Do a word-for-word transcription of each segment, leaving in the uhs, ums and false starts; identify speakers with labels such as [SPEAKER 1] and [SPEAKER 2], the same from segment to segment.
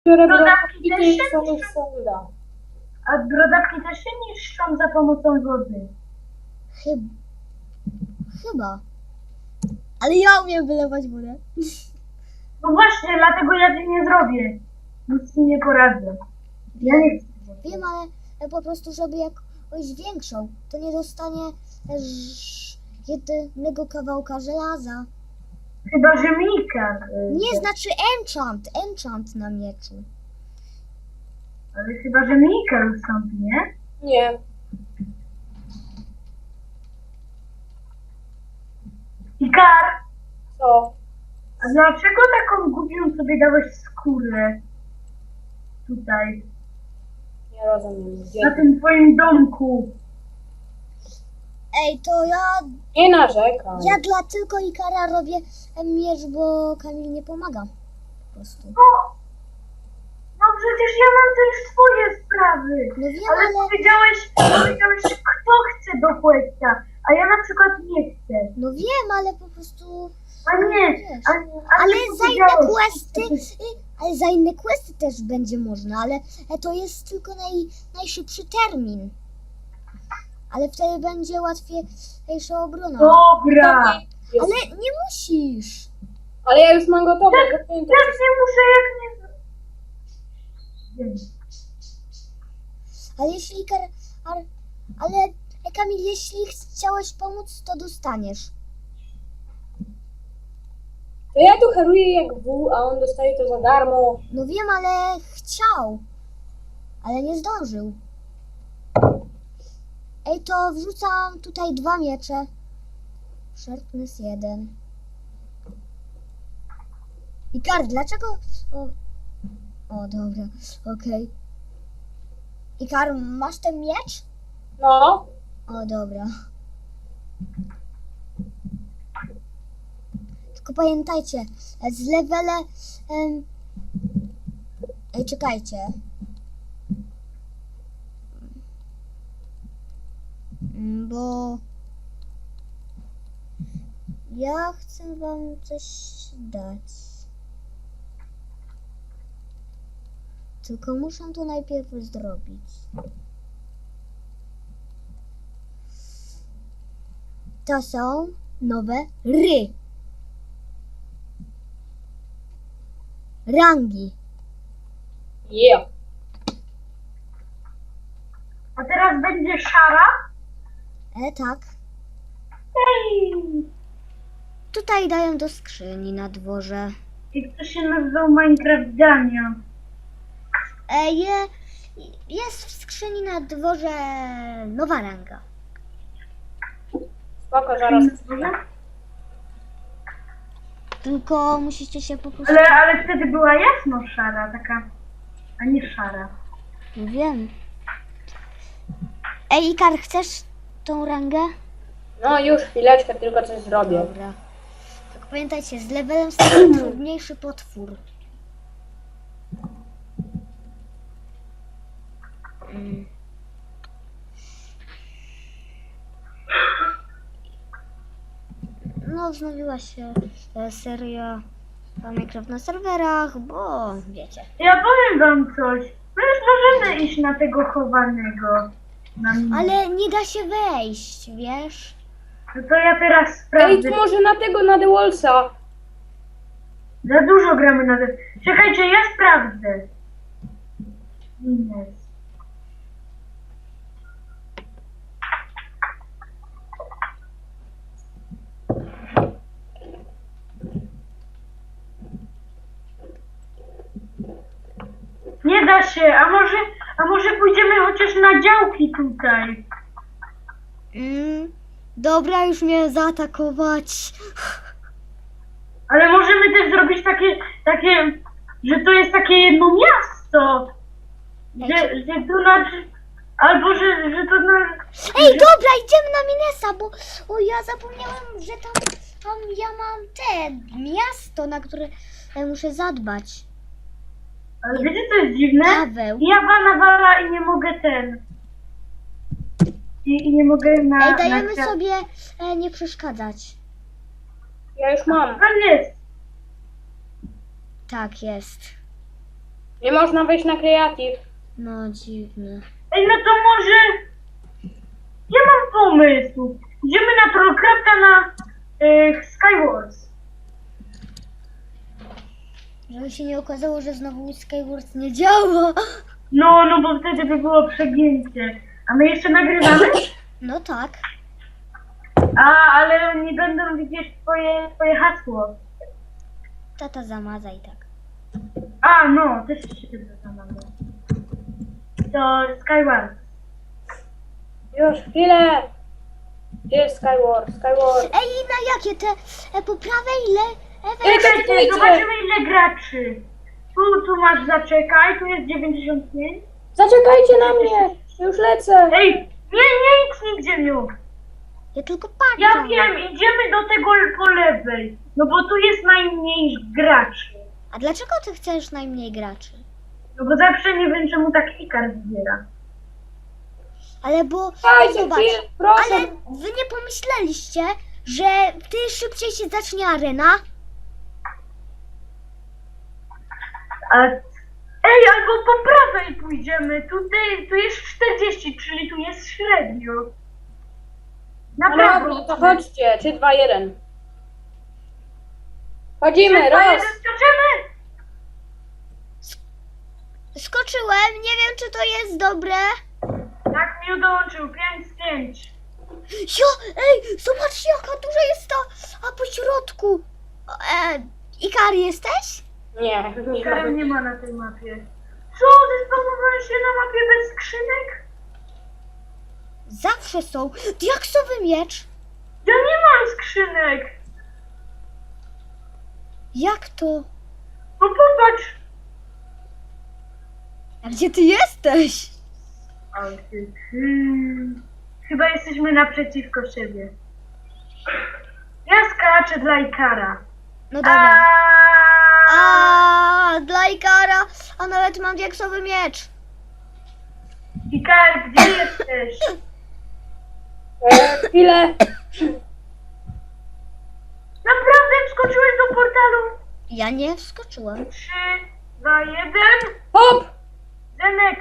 [SPEAKER 1] biorę
[SPEAKER 2] Brodawki
[SPEAKER 1] brodawki
[SPEAKER 2] też
[SPEAKER 1] i
[SPEAKER 2] się
[SPEAKER 1] samych
[SPEAKER 2] niszczą?
[SPEAKER 1] solda.
[SPEAKER 2] A brodawki też się niszczą za pomocą wody.
[SPEAKER 3] Chyba. Chyba. Ale ja umiem wylewać wodę.
[SPEAKER 2] No właśnie, dlatego ja ci nie zrobię. Nic ci nie poradzę. Ja nie chcę.
[SPEAKER 3] Wiem, ale po prostu, żeby jakąś większą, to nie dostanie też jednego kawałka żelaza.
[SPEAKER 2] Chyba, że Mika. y,
[SPEAKER 3] Nie, znaczy enchant, enchant na mieczu.
[SPEAKER 2] Ale chyba, że Mika ustąpi, nie?
[SPEAKER 1] Nie.
[SPEAKER 2] Ikar,
[SPEAKER 1] Co?
[SPEAKER 2] a dlaczego taką głupią sobie dałeś skórę? Tutaj,
[SPEAKER 1] Nie rozumiem. Gdzie?
[SPEAKER 2] na tym twoim domku.
[SPEAKER 3] Ej, to ja,
[SPEAKER 1] Nie narzekam.
[SPEAKER 3] ja dla tylko Ikara robię miecz, bo Kamil nie pomaga. Po prostu.
[SPEAKER 2] No, no przecież ja mam też swoje sprawy.
[SPEAKER 3] No wiem,
[SPEAKER 2] Ale
[SPEAKER 3] ale,
[SPEAKER 2] powiedziałeś, powiedziałeś, kto chce do questa, a ja na przykład nie chcę.
[SPEAKER 3] no wiem, ale po prostu...
[SPEAKER 2] A nie,
[SPEAKER 3] Wiesz.
[SPEAKER 2] a, a
[SPEAKER 3] Ale
[SPEAKER 2] ty
[SPEAKER 3] za inne
[SPEAKER 2] powiedziałeś,
[SPEAKER 3] questy, y, ale za inne questy też będzie można, ale e, to jest tylko naj, najszybszy termin. Ale wtedy będzie łatwiejsza obrona.
[SPEAKER 2] Dobra.
[SPEAKER 1] Jest.
[SPEAKER 3] Ale nie musisz.
[SPEAKER 1] Ale ja już mam gotowe. gotowe.
[SPEAKER 2] Jak nie muszę, jak nie... Wiem.
[SPEAKER 3] Ale jeśli Kar, ar, ale e, Kamil, jeśli chciałeś pomóc, to dostaniesz.
[SPEAKER 1] To ja tu heruję jak wół, a on dostaje to za darmo.
[SPEAKER 3] No wiem, ale chciał. Ale nie zdążył. Ej, to wrzucam tutaj dwa miecze. Sharpness jeden. Ikar, dlaczego... O, o dobra, okej. Ikar, masz ten miecz?
[SPEAKER 1] No.
[SPEAKER 3] O, dobra. Tylko pamiętajcie, z levele... Em, ej, czekajcie. Mm, Bo... Ja chcę wam coś dać. Tylko muszę to najpierw zrobić. To są nowe ry. Rangi.
[SPEAKER 1] Yeah.
[SPEAKER 2] A teraz będzie szara?
[SPEAKER 3] E, tak.
[SPEAKER 2] Ej!
[SPEAKER 3] Tutaj dają do skrzyni na dworze.
[SPEAKER 2] I kto się nazywał Minecraft Dania?
[SPEAKER 3] E, je, jest w skrzyni na dworze nowa ranga.
[SPEAKER 1] Spoko, zaraz.
[SPEAKER 3] Tylko musicie się po prostu...
[SPEAKER 2] Ale, ale wtedy była jasno szara, taka, a nie szara.
[SPEAKER 3] Wiem. Ej, Ikar, chcesz tą rangę?
[SPEAKER 1] No już chwileczkę, tylko coś zrobię.
[SPEAKER 3] Dobra. Tak pamiętajcie, z levelem staje trudniejszy potwór. Mm. No, wznowiła się e, seria Minecraft na serwerach, bo wiecie.
[SPEAKER 2] Ja powiem wam coś. My już możemy iść na tego chowanego. Na mnie.
[SPEAKER 3] Ale nie da się wejść, wiesz?
[SPEAKER 2] No to ja teraz
[SPEAKER 1] Ej,
[SPEAKER 2] sprawdzę.
[SPEAKER 1] to może na tego, na The Wallsa.
[SPEAKER 2] Za dużo gramy na te... Czekajcie, ja sprawdzę. Ines. Nie da się, a może, a może pójdziemy chociaż na działki tutaj.
[SPEAKER 3] Mm, dobra, już mnie zaatakować.
[SPEAKER 2] Ale możemy też zrobić takie, takie, że to jest takie jedno miasto. Że, że tu na... Albo, że, że to na...
[SPEAKER 3] Ej, dobra, idziemy na Minesa, bo o, ja zapomniałem, że tam, tam ja mam te miasto, na które e, muszę zadbać.
[SPEAKER 2] Ale wiecie co jest dziwne?
[SPEAKER 3] Paweł.
[SPEAKER 2] Ja wana wala i nie mogę ten... I, i nie mogę na...
[SPEAKER 3] Ej, dajemy
[SPEAKER 2] na...
[SPEAKER 3] sobie e, nie przeszkadzać.
[SPEAKER 1] Ja już mam.
[SPEAKER 2] Tam jest.
[SPEAKER 3] Tak jest.
[SPEAKER 1] Nie można wejść na kreatyw.
[SPEAKER 3] No dziwne.
[SPEAKER 2] Ej, no to może... Ja mam pomysł. Idziemy na Trollcrafta na y, Skywars.
[SPEAKER 3] Żeby się nie okazało, że znowu Skywars nie działa.
[SPEAKER 2] No, no bo wtedy by było przegięcie. A my jeszcze nagrywamy?
[SPEAKER 3] No tak.
[SPEAKER 2] A, ale nie będą widzieć twoje, twoje hasło.
[SPEAKER 3] Tata zamaza i tak.
[SPEAKER 2] A, no, też się tego zamawiam. To Skywars.
[SPEAKER 1] Już, chwilę. Gdzie jest Skyward? Skyward.
[SPEAKER 3] Ej, na jakie te e, po prawej le... E,
[SPEAKER 1] Ej,
[SPEAKER 3] we-
[SPEAKER 1] to-
[SPEAKER 2] Czekajcie, zobaczymy ile graczy. Tu, tu masz zaczekaj, tu jest dziewięćdziesiąt pięć.
[SPEAKER 1] Zaczekajcie na mnie. Już lecę.
[SPEAKER 2] Ej, nie, nie idź nigdzie, Miu.
[SPEAKER 3] ja tylko patrzę.
[SPEAKER 2] Ja wiem, idziemy do tego po lewej. No bo tu jest najmniej graczy.
[SPEAKER 3] A dlaczego ty chcesz najmniej graczy?
[SPEAKER 2] No bo zawsze nie wiem czemu tak Ikar zbiera.
[SPEAKER 3] Ale bo...
[SPEAKER 1] Dajcie
[SPEAKER 3] zobacz,
[SPEAKER 1] chwilę, proszę.
[SPEAKER 3] ale wy nie pomyśleliście, że ty szybciej się zacznie arena?
[SPEAKER 2] A... Ej, albo po prawej pójdziemy. Tutaj, tu jest czterdzieści, czyli tu jest średnio. Na
[SPEAKER 1] No
[SPEAKER 2] prawo.
[SPEAKER 1] dobra, to chodźcie. trzy, dwa, jeden. Chodzimy,
[SPEAKER 2] Trzy, dwa,
[SPEAKER 1] raz.
[SPEAKER 2] jeden, skaczemy.
[SPEAKER 3] Skoczyłem, nie wiem czy to jest dobre.
[SPEAKER 2] Tak mi dołączył, pięć z pięć.
[SPEAKER 3] Jo, ej, zobaczcie jaka duża jest ta, a po środku. E, Ikar jesteś?
[SPEAKER 1] Nie, nie
[SPEAKER 2] Ikarem
[SPEAKER 1] ma.
[SPEAKER 2] nie ma na tej mapie. Co? Zespanowałeś się na mapie bez skrzynek?
[SPEAKER 3] Zawsze są. Diaksowy miecz.
[SPEAKER 2] Ja nie mam skrzynek.
[SPEAKER 3] Jak to?
[SPEAKER 2] No popatrz.
[SPEAKER 3] A gdzie ty jesteś?
[SPEAKER 2] Ale ty- Hmm. Chyba jesteśmy naprzeciwko siebie. Ja skaczę dla Ikara.
[SPEAKER 3] No dobra.
[SPEAKER 2] A
[SPEAKER 3] A dla Ikara, a nawet mam diaksowy miecz.
[SPEAKER 2] Ikar, gdzie jesteś?
[SPEAKER 1] E, chwilę.
[SPEAKER 2] Naprawdę wskoczyłeś do portalu?
[SPEAKER 3] Ja nie wskoczyłem.
[SPEAKER 2] Trzy, dwa, jeden.
[SPEAKER 1] Hop!
[SPEAKER 2] Zenek,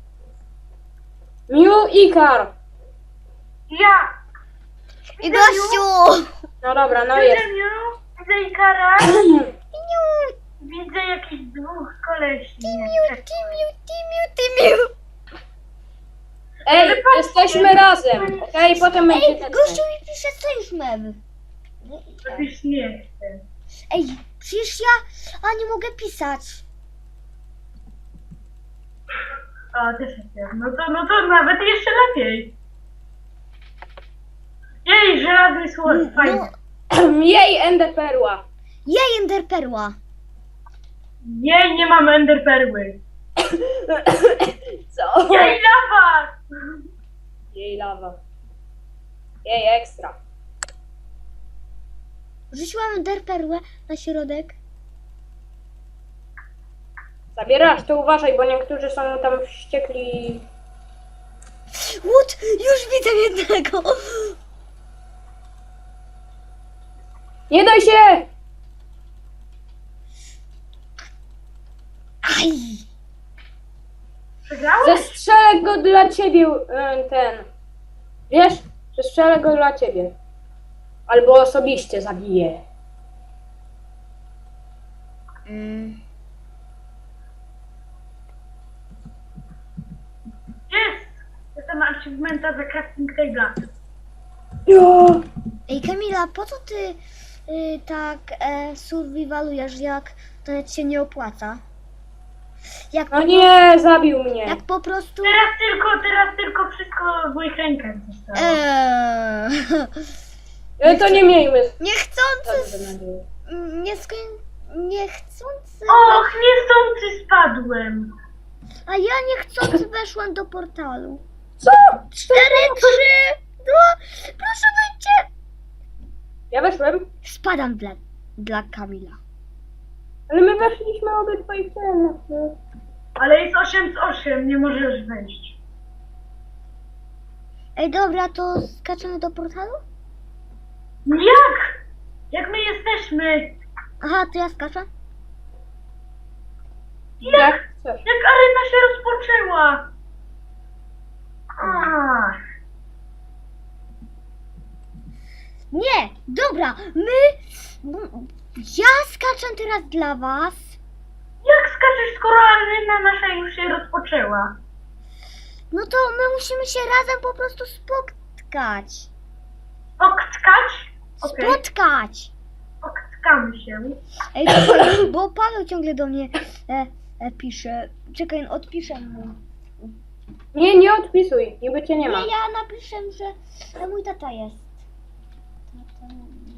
[SPEAKER 1] Miu Ikar.
[SPEAKER 2] ja.
[SPEAKER 3] I gościu!
[SPEAKER 1] No dobra, no
[SPEAKER 2] Widzę
[SPEAKER 1] jest.
[SPEAKER 2] Miu, widzę Ikara.
[SPEAKER 3] Timiu,
[SPEAKER 2] Widzę jakichś dwóch kolesi.
[SPEAKER 3] timiu, timiu, timiu, timiu.
[SPEAKER 1] Ej, jesteśmy razem. Okej, potem
[SPEAKER 3] Ej,
[SPEAKER 1] będzie ten.
[SPEAKER 3] gościu mi pisze sojusz mew.
[SPEAKER 2] To już nie chcę.
[SPEAKER 3] Ej, przecież ja, a nie mogę pisać.
[SPEAKER 2] O, też chcę. No to, no to nawet jeszcze lepiej. Jej, żelazny słod,
[SPEAKER 3] No,
[SPEAKER 2] fajnie.
[SPEAKER 1] Jej enderperła.
[SPEAKER 3] jej enderperła.
[SPEAKER 2] Jej, nie mam enderperły.
[SPEAKER 1] Co?
[SPEAKER 2] Jej, lawa!
[SPEAKER 1] Jej lawa. Jej ekstra.
[SPEAKER 3] Rzuciłam enderperłę na środek.
[SPEAKER 1] Zabierasz, to uważaj, bo niektórzy są tam wściekli.
[SPEAKER 3] Łód, już widzę jednego.
[SPEAKER 1] Nie daj się!
[SPEAKER 3] Aj.
[SPEAKER 2] Przegrałeś?
[SPEAKER 1] Zestrzelę go dla ciebie, e, ten. Wiesz? Zestrzelę go dla ciebie. Albo osobiście zabiję.
[SPEAKER 3] Mm.
[SPEAKER 2] Jest! Jestem achievementa za crafting table'a.
[SPEAKER 1] Jo!
[SPEAKER 3] Ej Kamila, po co ty y, tak e, survivalujesz, jak to nawet się nie opłaca? Jak,
[SPEAKER 1] No nie, zabił mnie.
[SPEAKER 3] jak po prostu...
[SPEAKER 2] Teraz tylko, teraz tylko wszystko w moich rękach zostało.
[SPEAKER 3] Eee,
[SPEAKER 1] E, to nie miejmy.
[SPEAKER 3] niechcący...
[SPEAKER 1] Dobrze, nadzieję.
[SPEAKER 3] Nie skoń... Niechcący...
[SPEAKER 2] Och, niechcący spadłem.
[SPEAKER 3] A ja niechcący weszłam do portalu.
[SPEAKER 1] Co?
[SPEAKER 3] Cztery, trzy, dwa... Proszę wyjdźcie!
[SPEAKER 1] Ja weszłem,
[SPEAKER 3] Spadam dla, dla Kamila.
[SPEAKER 1] ale my weszliśmy obydwaj w ten.
[SPEAKER 2] Ale jest osiem z osiem, nie możesz wejść.
[SPEAKER 3] Ej, dobra, to skaczemy do portalu?
[SPEAKER 2] Jak? Jak my jesteśmy?
[SPEAKER 3] Aha, to ja skaczę?
[SPEAKER 1] Jak? Coś.
[SPEAKER 2] Jak arena się rozpoczęła. Ach.
[SPEAKER 3] Nie, dobra, my... Ja skaczę teraz dla was.
[SPEAKER 2] Jak skaczesz, skoro arena nasza już się rozpoczęła?
[SPEAKER 3] No to my musimy się razem po prostu spotkać.
[SPEAKER 2] Spotkać? Okej,
[SPEAKER 3] Spotkać.
[SPEAKER 2] spotkamy się.
[SPEAKER 3] Ej, czekaj, bo Paweł ciągle do mnie e, e, pisze. Czekaj, odpiszę mu.
[SPEAKER 1] Nie, nie odpisuj, niby cię nie ma.
[SPEAKER 3] Nie, ja napiszę, że e, mój tata jest. Tata.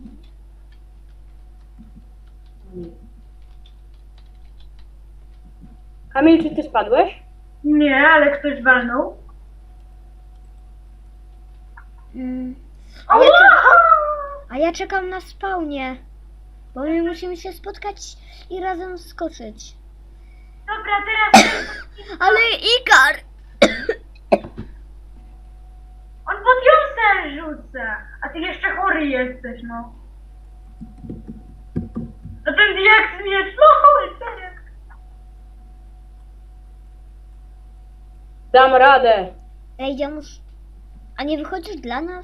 [SPEAKER 1] Kamil, czy ty spadłeś?
[SPEAKER 2] Nie, ale ktoś walnął.
[SPEAKER 3] Mm. A, ja czekam,
[SPEAKER 2] Ała!
[SPEAKER 3] a ja czekam na spawnie. Bo my musimy się spotkać i razem skoczyć.
[SPEAKER 2] Dobra, teraz
[SPEAKER 3] Ale Ikar!
[SPEAKER 2] on pod jąsę rzuca, a ty jeszcze chory jesteś, no. A ten jak zmiecz, no chodź, serio.
[SPEAKER 1] Dam radę.
[SPEAKER 3] Ej, ja muszę... A nie wychodzisz dla nas?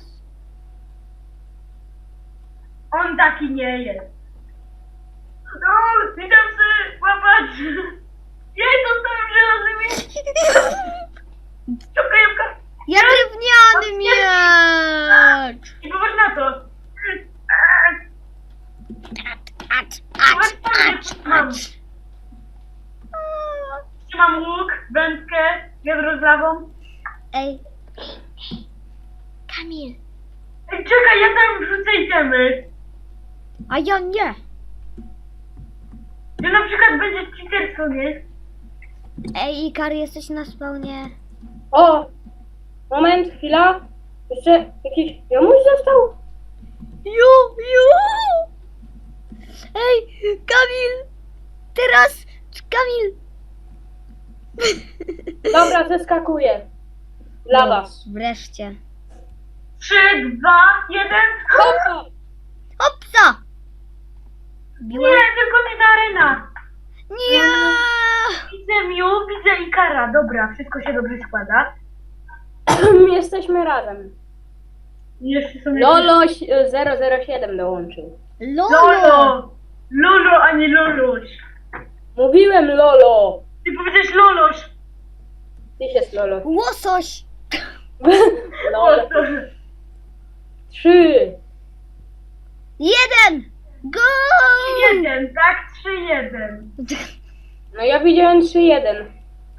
[SPEAKER 2] On taki nie jest. No, idę sobie łapać. Jej, dostałem żelazny miecz. Czekaj, Jemka.
[SPEAKER 3] Ja drewniany miecz!
[SPEAKER 2] I popatrz na to.
[SPEAKER 3] Acz, acz, acz,
[SPEAKER 2] Mam.
[SPEAKER 3] acz.
[SPEAKER 2] Trzymam łuk, wędkę, wiadro z lawą.
[SPEAKER 3] Ej. Kamil.
[SPEAKER 2] Ej, czekaj, ja tam wrzucę itemy.
[SPEAKER 3] A ja nie.
[SPEAKER 2] Że na przykład będzie cheaterstwo, nie?
[SPEAKER 3] Ej, Ikar, jesteś na spawnie.
[SPEAKER 1] O! Moment, chwila. Jeszcze jakiś jomuś został?
[SPEAKER 3] Ju, ju! Ej, Kamil! Teraz, Kamil!
[SPEAKER 1] Dobra, zeskakuję. Dla was.
[SPEAKER 3] Wreszcie.
[SPEAKER 2] Trzy, dwa, jeden.
[SPEAKER 1] Hopa!
[SPEAKER 3] Hopsa!
[SPEAKER 2] Nie,
[SPEAKER 3] Biłem?
[SPEAKER 2] tylko nie ta arena.
[SPEAKER 3] Nie!
[SPEAKER 2] Widzę Miu, widzę Ikara. Dobra, wszystko się dobrze składa.
[SPEAKER 1] Jesteśmy razem.
[SPEAKER 2] I jeszcze są
[SPEAKER 1] Lolo zero zero siedem dołączył.
[SPEAKER 3] Lolo!
[SPEAKER 2] Lolo! Lolo, a nie Loloś.
[SPEAKER 1] Mówiłem Lolo.
[SPEAKER 2] Ty powiedziałeś Loloś.
[SPEAKER 1] Ty jest Lolo.
[SPEAKER 3] Łosoś!
[SPEAKER 1] Lolo. Trzy.
[SPEAKER 3] Jeden! Go!
[SPEAKER 2] trzy jeden, tak? trzy jeden.
[SPEAKER 1] No ja widziałem trzy jeden.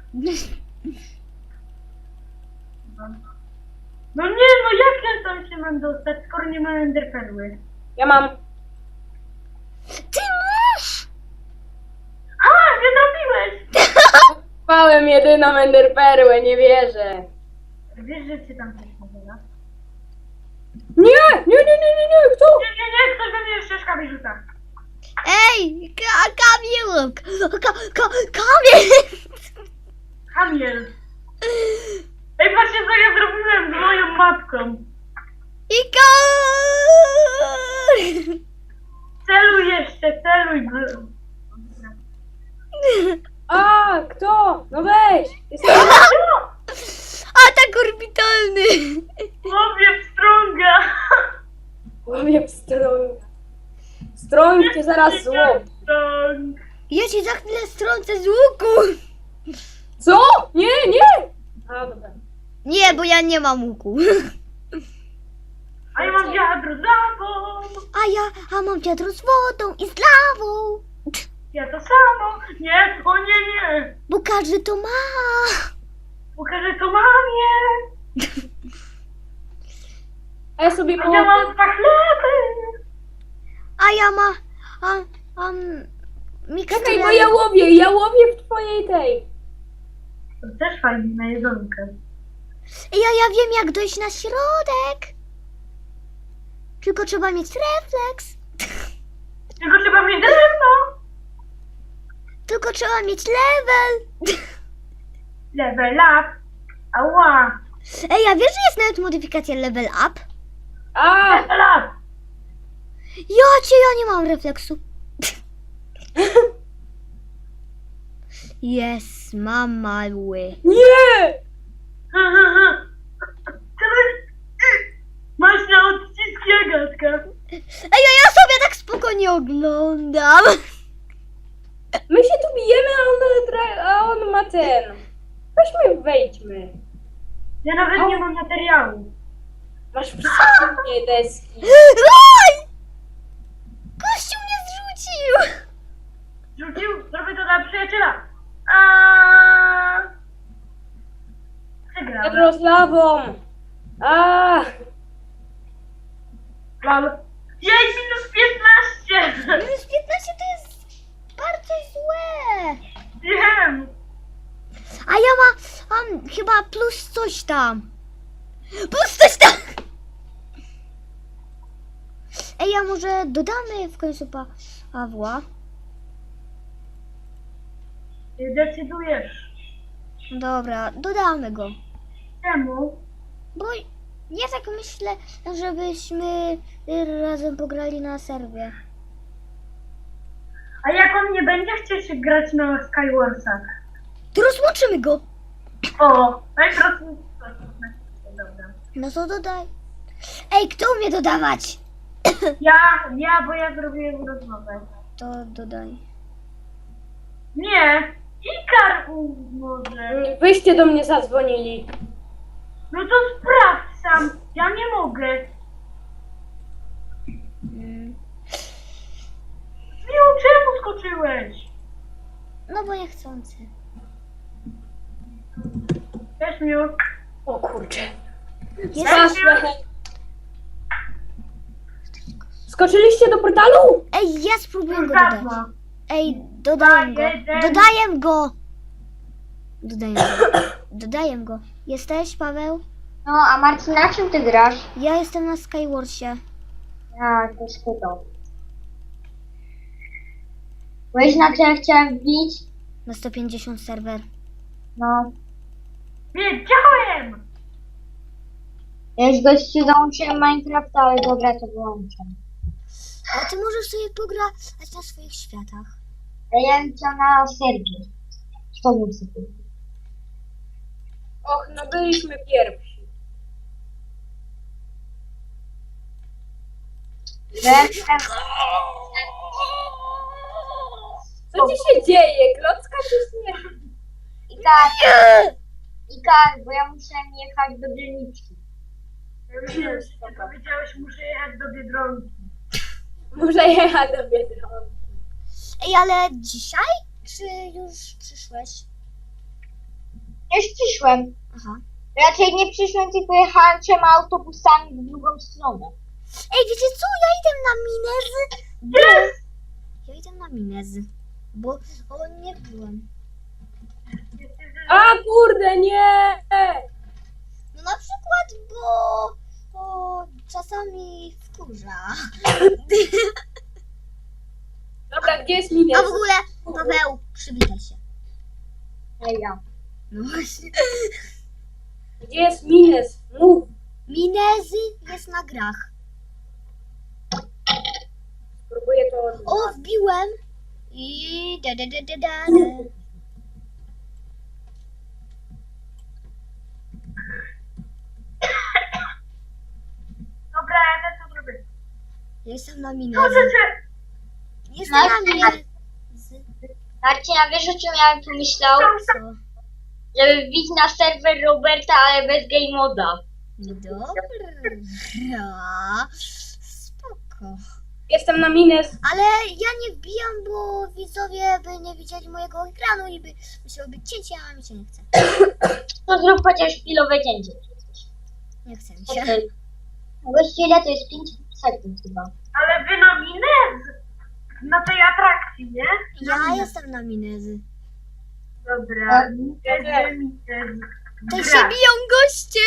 [SPEAKER 2] No nie, no jak ja tam się mam dostać, skoro nie mam enderperły?
[SPEAKER 1] Ja mam.
[SPEAKER 3] Ty masz!
[SPEAKER 2] A, nie trafiłeś!
[SPEAKER 1] Małem jedyną enderperłę, nie wierzę.
[SPEAKER 2] Wiesz, że cię tam też nazywa?
[SPEAKER 1] Nie, nie, nie, nie, nie, nie, kto?
[SPEAKER 2] Nie, nie, nie, ktoś we mnie jeszcze szkabi rzuca.
[SPEAKER 3] Ej! Ka Kamil! Ka ka Kamil!
[SPEAKER 2] Hamiel. Ej, patrzcie co ja zrobiłem z moją matką.
[SPEAKER 3] Ikar!
[SPEAKER 2] Celuj jeszcze, celuj. bl-
[SPEAKER 1] A, kto? No weź. Jestem...
[SPEAKER 3] Atak orbitalny!
[SPEAKER 2] Łowię pstrąga.
[SPEAKER 1] Łowię pstrąg. Strąg cię zaraz złom.
[SPEAKER 2] Pstrąg.
[SPEAKER 3] Ja ci za chwilę strącę z łuku!
[SPEAKER 1] Co? Nie, nie! A, dobra.
[SPEAKER 3] Nie, bo ja nie mam łuku.
[SPEAKER 2] A ja mam wiadro z lawą.
[SPEAKER 3] A ja, a mam wiadro z wodą i z lawą.
[SPEAKER 2] Ja to samo. Nie, o nie, nie.
[SPEAKER 3] Bo każdy to ma.
[SPEAKER 2] Pokażę to mamie.
[SPEAKER 1] A ja sobie
[SPEAKER 2] A ja
[SPEAKER 1] położę.
[SPEAKER 2] mam dwa chleby.
[SPEAKER 3] A ja ma, a, a miksturę.
[SPEAKER 1] Czekaj, bo ja łowię, ja łowię w twojej tej.
[SPEAKER 2] To też fajnie na jedzonkę.
[SPEAKER 3] Ja, ja wiem jak dojść na środek. Tylko trzeba mieć refleks.
[SPEAKER 2] Tylko trzeba mieć drewno.
[SPEAKER 3] Tylko trzeba mieć level.
[SPEAKER 2] Level up. Ała.
[SPEAKER 3] Ej, a wiesz, że jest nawet modyfikacja level up?
[SPEAKER 1] A!
[SPEAKER 2] Level up.
[SPEAKER 3] Ja cię, ja nie mam refleksu. Jest, mam mały.
[SPEAKER 1] Nie!
[SPEAKER 2] Ha, ha, ha. Teraz masz na odciski Agatka.
[SPEAKER 3] Ej, a ja sobie tak spokojnie oglądam.
[SPEAKER 1] My się tu bijemy, a on, tra- a on ma ten. Weźmy, wejdźmy.
[SPEAKER 2] Ja nawet nie mam materiału.
[SPEAKER 1] Masz wszystkie deski.
[SPEAKER 3] Oj! Kościół mnie zrzucił.
[SPEAKER 2] Rzucił, zrobię to dla przyjaciela. A Przegrałem.
[SPEAKER 1] Pedro z lawą. A,
[SPEAKER 2] Mam. Jej, minus piętnaście.
[SPEAKER 3] Minus piętnaście to jest bardzo złe.
[SPEAKER 2] Wiem.
[SPEAKER 3] A ja ma, mam chyba plus coś tam. Plus coś tam. Ej, a może dodamy w końcu pa Pawła?
[SPEAKER 2] Decydujesz.
[SPEAKER 3] Dobra, dodamy go.
[SPEAKER 2] Czemu?
[SPEAKER 3] Bo ja tak myślę, żebyśmy razem pograli na serwie.
[SPEAKER 2] A jak on nie będzie chciał się grać na Skywarsach?
[SPEAKER 3] To rozłączymy go.
[SPEAKER 2] O, najprościej. Dobra.
[SPEAKER 3] No to dodaj. Ej, kto umie dodawać?
[SPEAKER 2] Ja, ja, bo ja zrobiłem rozmowę.
[SPEAKER 3] To dodaj.
[SPEAKER 2] Nie, Ikar u- może.
[SPEAKER 1] wyście do mnie zadzwonili.
[SPEAKER 2] No to sprawdź sam, ja nie mogę.
[SPEAKER 3] Mm.
[SPEAKER 2] Miu, czemu skoczyłeś?
[SPEAKER 3] No bo niechcący.
[SPEAKER 2] Cześć, Miu.
[SPEAKER 1] O kurczę.
[SPEAKER 3] Jest...
[SPEAKER 1] Straszne. Skoczyliście do portalu?
[SPEAKER 3] Ej, ja spróbuję
[SPEAKER 2] Już
[SPEAKER 3] go dodać.
[SPEAKER 2] dawno.
[SPEAKER 3] Ej, dodaję go.
[SPEAKER 2] jeden.
[SPEAKER 3] Dodaję go. Dodaję go. Dodaję go. Jesteś, Paweł?
[SPEAKER 4] No, a Marcin, na czym ty grasz?
[SPEAKER 3] Ja jestem na Skywarsie.
[SPEAKER 4] Ja też chyba. Wiesz, na co ja chciałem wbić?
[SPEAKER 3] Na sto pięćdziesiąt serwer.
[SPEAKER 4] No,
[SPEAKER 2] Wiedziałem!
[SPEAKER 4] ja już gościu dołączyłem Minecrafta, ale dobra, to wyłączam.
[SPEAKER 3] A ty możesz sobie pograć na swoich światach.
[SPEAKER 4] Ale ja bym chciał na serwie. Co bym sobie?
[SPEAKER 1] Och, no byliśmy pierwsi.
[SPEAKER 4] Jestem...
[SPEAKER 1] Co ci się dzieje? Klocka czy śmiech?
[SPEAKER 4] Ikar, Ikar, bo ja muszę jechać do dzielniczki.
[SPEAKER 2] Wiem, że ty powiedziałeś, muszę jechać do Biedronki.
[SPEAKER 1] Muszę jechać do Biedronki.
[SPEAKER 3] Ej, ale dzisiaj? Czy już przyszłeś?
[SPEAKER 4] Już przyszłem.
[SPEAKER 3] Aha.
[SPEAKER 4] Raczej nie przyszłem, tylko jechałem trzema autobusami w drugą stronę.
[SPEAKER 3] Ej, wiecie co? Ja idę na Minezy. Bo... Ja idę na Minezy. Bo o, nie byłem.
[SPEAKER 1] A kurde, nie!
[SPEAKER 3] No na przykład, bo, bo czasami wkurza.
[SPEAKER 1] Dobra, gdzie jest
[SPEAKER 3] A
[SPEAKER 1] Mines?
[SPEAKER 3] w ogóle, Paweł, przywitaj się.
[SPEAKER 4] Ej, ja.
[SPEAKER 3] No właśnie.
[SPEAKER 1] Gdzie jest Mines? Mów.
[SPEAKER 3] Minezy jest na grach.
[SPEAKER 1] Spróbuję to...
[SPEAKER 3] O, wbiłem. I da da da da da. da.
[SPEAKER 2] Dobra, ja też to zrobię.
[SPEAKER 3] Jestem na
[SPEAKER 2] Co
[SPEAKER 3] Minezy.
[SPEAKER 2] chcecie?
[SPEAKER 3] Jestem na Minezy.
[SPEAKER 4] Marcin, a wiesz, o czym ja bym pomyślał?
[SPEAKER 3] Co?
[SPEAKER 4] Żeby wbić na serwer Roberta, ale bez game moda.
[SPEAKER 3] Dobra. Spoko.
[SPEAKER 1] Jestem na Mines.
[SPEAKER 3] Ale ja nie wbijam, bo widzowie by nie widzieli mojego ekranu i by musiało być cięcie, a mi się nie chce.
[SPEAKER 4] To zrób chociaż chwilowe cięcie.
[SPEAKER 3] Nie chce mi się.
[SPEAKER 4] Okej. Gościu, ile to jest? pięć sekund chyba.
[SPEAKER 2] Ale wy na Minez? Na tej atrakcji, nie?
[SPEAKER 3] Ja jestem na Minezy.
[SPEAKER 2] Dobra,
[SPEAKER 4] Tak.
[SPEAKER 2] Minez, Minez.
[SPEAKER 3] To
[SPEAKER 2] Gra.
[SPEAKER 3] się biją goście!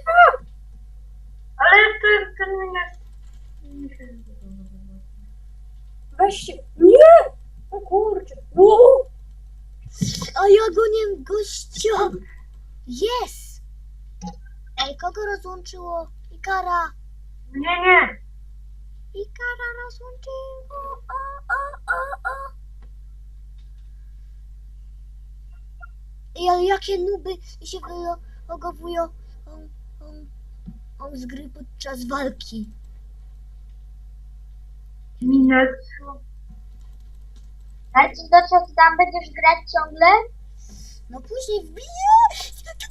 [SPEAKER 2] Ale to ten Minez... mi się nie podoba.
[SPEAKER 1] Weź się... Nie! O kurczę. Wow.
[SPEAKER 3] A ja gonię gościa! Jest! Ej, kogo rozłączyło? Ikara!
[SPEAKER 2] Nie, nie.
[SPEAKER 3] Ikara rozłączyło! O, o, o, o. Ej, ale jakie nuby się wylogowują on, on, on z gry podczas walki.
[SPEAKER 2] Minus.
[SPEAKER 4] Marcin, to co, ty tam będziesz grać ciągle?
[SPEAKER 3] No później wbiję.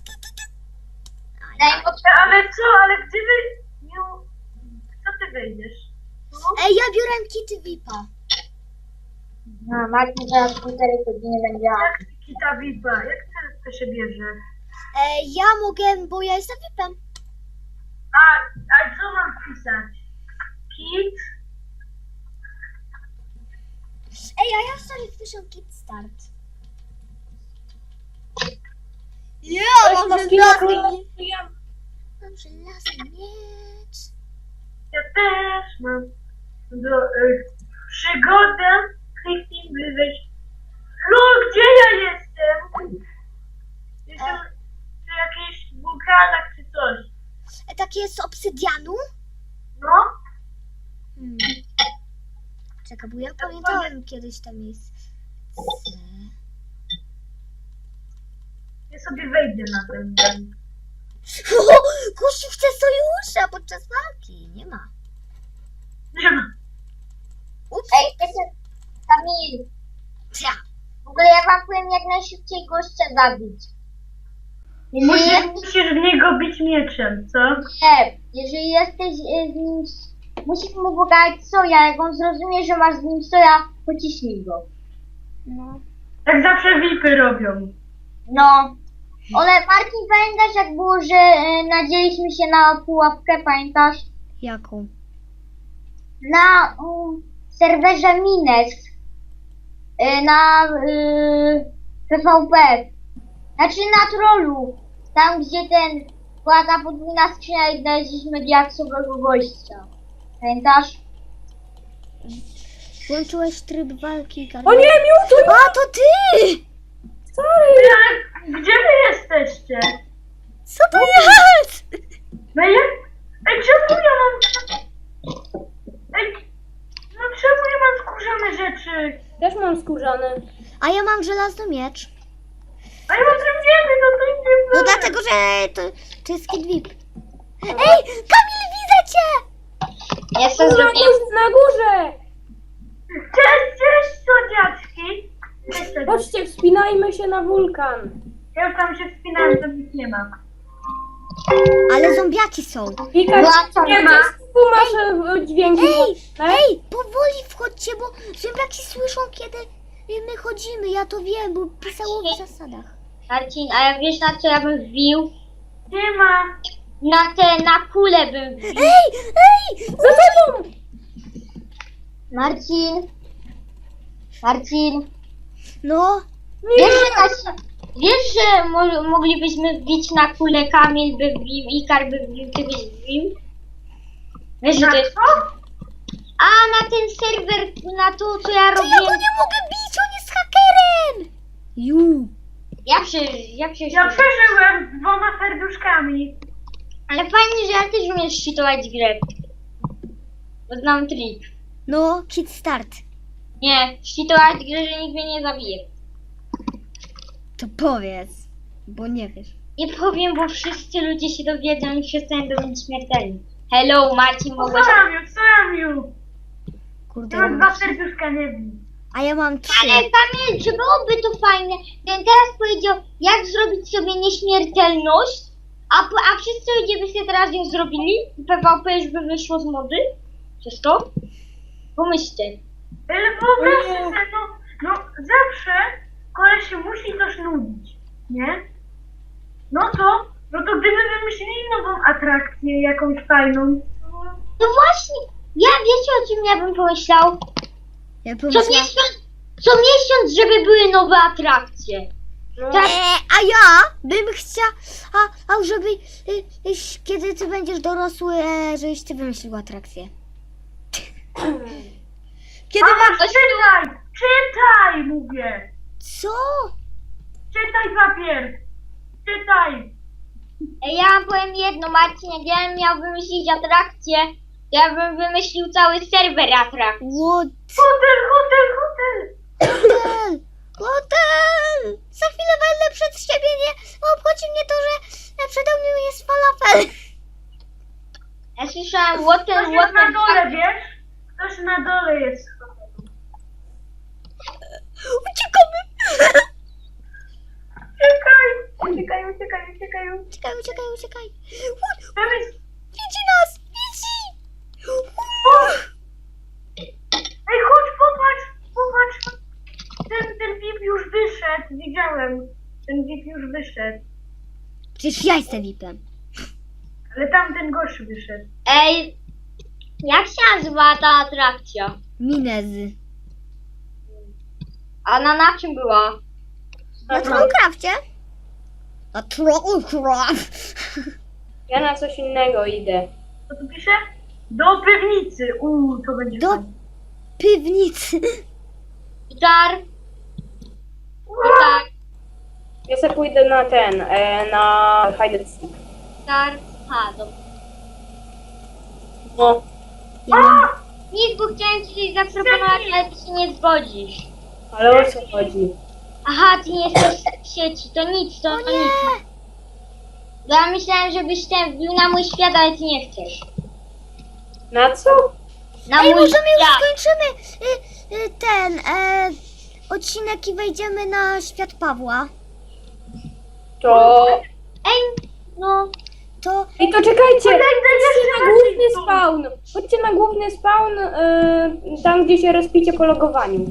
[SPEAKER 4] Daj mi
[SPEAKER 2] Ale co, ale gdzie wy... Nie... Co ty wejdziesz?
[SPEAKER 3] Ej, ja biorę kity V I P-a.
[SPEAKER 4] No, Marcin zaraz półtorej godziny będzie.
[SPEAKER 2] Jak kita V I P-a? Jak to, to się bierze?
[SPEAKER 3] Ej, ja mogę, bo ja jestem V I P-em.
[SPEAKER 2] A, a co mam pisać? Kit?
[SPEAKER 3] Ej, a ja sobie wpiszę kit start. Ja
[SPEAKER 1] Ktoś ma skina królewskiego.
[SPEAKER 3] Mam żelazny miecz.
[SPEAKER 2] Ja też mam. Do, y, przygodę. Kliknij by wejść. No, gdzie ja jestem? Jestem przy jakichś wulkanach czy coś.
[SPEAKER 3] E, takie z obsydianu?
[SPEAKER 2] No?
[SPEAKER 3] Hmm. Czekaj, bo ja pamiętałem kiedyś to miejsce.
[SPEAKER 2] Ja sobie wejdę na ten dzień.
[SPEAKER 3] Kusi chce sojusza podczas walki. Nie ma.
[SPEAKER 2] Nie ma.
[SPEAKER 3] Ups.
[SPEAKER 4] Ej, wiecie, Kamil,
[SPEAKER 3] Ja.
[SPEAKER 4] w ogóle ja wam powiem jak najszybciej gościa zabić. Jeżeli
[SPEAKER 2] Musisz,
[SPEAKER 4] jesteś,
[SPEAKER 2] musisz w niego bić mieczem, co?
[SPEAKER 4] nie, jeżeli jesteś e, z nim, musisz mu pogadać soja, jak on zrozumie, że masz z nim soja, pociśnij go.
[SPEAKER 3] No.
[SPEAKER 2] Jak zawsze V I P-y robią.
[SPEAKER 4] No, ale Marcin, pamiętasz jak było, że e, nadzieliśmy się na pułapkę, pamiętasz?
[SPEAKER 3] Jaką?
[SPEAKER 4] Na um, serwerze Mines, e, na y, P V P, znaczy na trollu, tam gdzie ten była ta podwójna skrzynia i znaleźliśmy diaksowego gościa. Pamiętasz?
[SPEAKER 3] Włączyłeś tryb walki.
[SPEAKER 1] O nie, Mewtwo!
[SPEAKER 3] A, to ty!
[SPEAKER 1] Sorry!
[SPEAKER 2] Ej, ale gdzie wy jesteście?
[SPEAKER 3] Co to jest?
[SPEAKER 2] No ja... Ej, czemu ja mam... Ej, no czemu ja mam skórzane rzeczy?
[SPEAKER 1] Też mam skórzany.
[SPEAKER 3] A ja mam żelazny miecz.
[SPEAKER 2] A ja mam drewniany, no to nie
[SPEAKER 3] No dlatego, że to, to jest kit V I P. Ej, Kamil, widzę cię!
[SPEAKER 4] Ja sobie
[SPEAKER 1] Na,
[SPEAKER 4] zrobiłem.
[SPEAKER 1] górze, na górze!
[SPEAKER 2] Cześć, cześć, słodziaczki! Cześć, cześć.
[SPEAKER 1] Chodźcie, wspinajmy się na wulkan.
[SPEAKER 2] Ja już tam się wspinałem, to nic nie ma.
[SPEAKER 3] Ale zombiaki są.
[SPEAKER 1] Wika,
[SPEAKER 4] Włączam,
[SPEAKER 1] nie
[SPEAKER 2] ma.
[SPEAKER 1] ma. Tu masz e, dźwięki.
[SPEAKER 3] Ej,
[SPEAKER 1] Tak?
[SPEAKER 3] ej, powoli wchodźcie, bo zombiaki słyszą, kiedy my chodzimy. Ja to wiem, bo pisało w zasadach.
[SPEAKER 4] Marcin, a ja wiesz na co ja bym wbił?
[SPEAKER 2] Nie ma.
[SPEAKER 4] Na te, na kulę bym wbił.
[SPEAKER 3] Ej, ej!
[SPEAKER 1] Za tobą!
[SPEAKER 4] Marcin. Marcin.
[SPEAKER 3] No,
[SPEAKER 4] Wiesz, że, nas, wiesz, że mo moglibyśmy wbić na kulę, Kamil by wbił, Ikar by wbił, ty byś wbił? Wiesz, że
[SPEAKER 2] Na
[SPEAKER 4] to jest...
[SPEAKER 2] co?
[SPEAKER 4] A, na ten serwer, na to, co ja
[SPEAKER 3] to ja go
[SPEAKER 4] robiłem.
[SPEAKER 3] nie mogę bić, on jest hakerem! Ju.
[SPEAKER 4] Ja przecież, ja przecież...
[SPEAKER 2] Ja przeżyłem z dwoma serduszkami.
[SPEAKER 4] Ale fajnie, że ja też umiem szczytować grę. Bo znam trik.
[SPEAKER 3] No, kit start.
[SPEAKER 4] Nie, szczytować grę, że nikt mnie nie zabije.
[SPEAKER 3] To powiedz, bo nie wiesz.
[SPEAKER 4] Nie powiem, bo wszyscy ludzie się dowiedzą i wszyscy będą być śmiertelni. Hello, Marcin,
[SPEAKER 2] Co
[SPEAKER 4] mogłeś...
[SPEAKER 2] Ramiu, co Ramiu?
[SPEAKER 3] Kurde,
[SPEAKER 2] Ja
[SPEAKER 3] ja
[SPEAKER 2] mam
[SPEAKER 3] mam...
[SPEAKER 2] dwa serduszka, nie wiem.
[SPEAKER 3] a ja mam trzy.
[SPEAKER 4] Ale Kamil, czy byłoby to fajne, gdybym teraz powiedział, jak zrobić sobie nieśmiertelność, a, po- a wszyscy ludzie by sobie teraz ją zrobili i P V P już by wyszło z mody? Przez to? Pomyślcie.
[SPEAKER 2] Ale wyobraźcie sobie, no, no zawsze koleś się musi coś nudzić, nie? No to, no to gdyby wymyślili nową atrakcję, jakąś fajną,
[SPEAKER 4] No właśnie, ja wiecie o czym ja bym pomyślał?
[SPEAKER 3] Ja
[SPEAKER 4] Co
[SPEAKER 3] pomyślałam...
[SPEAKER 4] miesiąc, co miesiąc, żeby były nowe atrakcje. Tak,
[SPEAKER 3] E, a ja bym chciała, a, a żeby, y, y, kiedy ty będziesz dorosły, e, żebyś ty wymyślił atrakcję. Kiedy
[SPEAKER 2] Mama,
[SPEAKER 3] masz...
[SPEAKER 2] czytaj! Czytaj, mówię!
[SPEAKER 3] Co?
[SPEAKER 2] Czytaj papier! Czytaj!
[SPEAKER 4] ja wam powiem jedno, Marcin, jak ja bym miał wymyślić atrakcję, to ja bym wymyślił cały serwer atrakcji.
[SPEAKER 3] What?
[SPEAKER 2] Hotel, hotel, hotel!
[SPEAKER 3] Hotel! Łotel! Za chwilę będę przed siebie, nie obchodzi mnie to, że przede mną jest falafel.
[SPEAKER 4] Ja słyszałem water,
[SPEAKER 2] Ktoś jest na
[SPEAKER 4] water,
[SPEAKER 2] dole, wiesz? Ktoś na dole jest.
[SPEAKER 3] Uciekamy!
[SPEAKER 2] Uciekaj! Uciekaj, uciekaj, uciekaj.
[SPEAKER 3] Uciekaj, uciekaj, uciekaj.
[SPEAKER 2] Tam jest...
[SPEAKER 3] Widzi nas! Widzi!
[SPEAKER 2] Ej, chodź, popatrz, popatrz. Ten, ten V I P już wyszedł, widziałem. Ten V I P już wyszedł.
[SPEAKER 3] Przecież ja jestem V I P-em.
[SPEAKER 2] Ale tamten gość wyszedł.
[SPEAKER 4] Ej, jak się nazywa ta atrakcja?
[SPEAKER 3] Minezy.
[SPEAKER 4] A na, na czym była?
[SPEAKER 3] Na Trollcrafcie? Na Trollcraft.
[SPEAKER 1] Ja na coś innego idę.
[SPEAKER 2] Co tu pisze? Do piwnicy. Uuu, to będzie
[SPEAKER 3] Do
[SPEAKER 2] fajne.
[SPEAKER 3] piwnicy.
[SPEAKER 4] Gitar. Gitar.
[SPEAKER 1] Ja sobie pójdę na ten, e, na hide and seek.
[SPEAKER 4] Gitar. Ha, dobra.
[SPEAKER 1] No,
[SPEAKER 3] Ja mam...
[SPEAKER 4] Nic, bo chciałem ci coś zaproponować, ale ty się nie zgodzisz.
[SPEAKER 1] ale o co chodzi?
[SPEAKER 4] Aha, ty nie jesteś w sieci, to nic, to, to nic. Bo ja myślałem, żebyś ten wbił na mój świat, ale ty nie chcesz.
[SPEAKER 1] Na co?
[SPEAKER 4] Na
[SPEAKER 3] Ej,
[SPEAKER 4] mój
[SPEAKER 3] możemy już
[SPEAKER 4] świat.
[SPEAKER 3] skończymy y, y, ten e, odcinek i wejdziemy na świat Pawła.
[SPEAKER 1] To...
[SPEAKER 4] Ej, no.
[SPEAKER 3] To
[SPEAKER 1] Ej, to czekajcie!
[SPEAKER 2] Czekaj,
[SPEAKER 1] Chodźcie
[SPEAKER 2] jeszcze
[SPEAKER 1] na główny
[SPEAKER 2] bardziej tu.
[SPEAKER 1] spawn! Chodźcie na główny spawn, e, tam gdzie się respicie po logowaniu.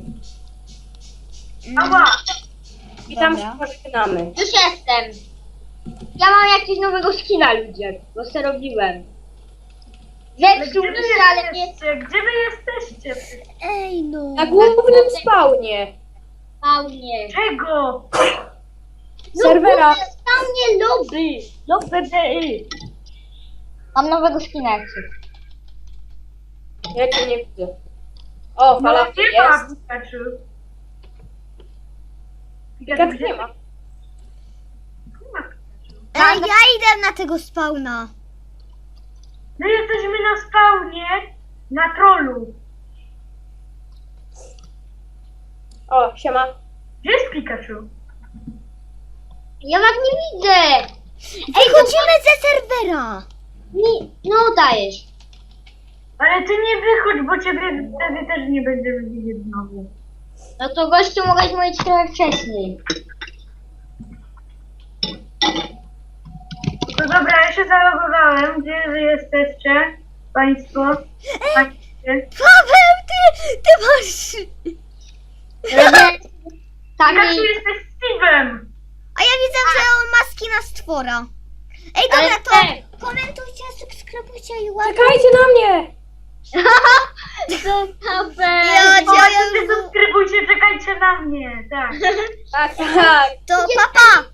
[SPEAKER 2] Ała!
[SPEAKER 1] I tam
[SPEAKER 3] Dobra.
[SPEAKER 1] się pożegnamy.
[SPEAKER 4] Już jestem. Ja mam jakiegoś nowego skina, ludzie, bo se robiłem.
[SPEAKER 2] Ale
[SPEAKER 4] Zepsuł
[SPEAKER 2] gdzie
[SPEAKER 4] mi
[SPEAKER 2] wy
[SPEAKER 4] się, ale nie...
[SPEAKER 2] jesteście? Gdzie wy jesteście?
[SPEAKER 3] ej no.
[SPEAKER 1] Na głównym spawnie
[SPEAKER 4] Spawnie.
[SPEAKER 2] Czego?
[SPEAKER 1] serwera.
[SPEAKER 4] Spawnie lobby. Lobby P Y. Mam nowego skina, jak chcesz.
[SPEAKER 1] Ja cię nie widzę. O,
[SPEAKER 2] No
[SPEAKER 1] falafel
[SPEAKER 2] nie ma
[SPEAKER 1] jest.
[SPEAKER 2] Pikachu.
[SPEAKER 1] Jak nie ma.
[SPEAKER 2] Nie ma Pikachu.
[SPEAKER 3] Ej, ja idę na tego spawna.
[SPEAKER 2] My jesteśmy na spawnie na trollu.
[SPEAKER 1] O, siema.
[SPEAKER 2] Gdzie jest Pikachu?
[SPEAKER 4] Ja was nie widzę.
[SPEAKER 3] Wychodzimy ze serwera.
[SPEAKER 4] Mi... No dajesz.
[SPEAKER 2] Ale ty nie wychodź, bo ciebie wtedy też nie będziemy widzieć znowu.
[SPEAKER 4] No to gościu mogłeś mówić trochę wcześniej.
[SPEAKER 2] No dobra, ja się zalogowałem. Gdzie wy jesteście? Państwo? Państwie?
[SPEAKER 3] Paweł, ty, ty masz...
[SPEAKER 4] Tak,
[SPEAKER 2] Pikachu jesteś Steve'em!
[SPEAKER 3] A ja widzę, że on ma skina stwora. Ej,
[SPEAKER 4] Ale
[SPEAKER 3] dobra, to
[SPEAKER 4] tak.
[SPEAKER 3] komentujcie, subskrybujcie i ładnie.
[SPEAKER 1] Czekajcie na mnie!
[SPEAKER 4] Zostawę.
[SPEAKER 3] Ja cię,
[SPEAKER 2] Zobaczcie,
[SPEAKER 3] ja już...
[SPEAKER 2] subskrybujcie, czekajcie na mnie. Tak.
[SPEAKER 1] Tak, tak.
[SPEAKER 3] To papa!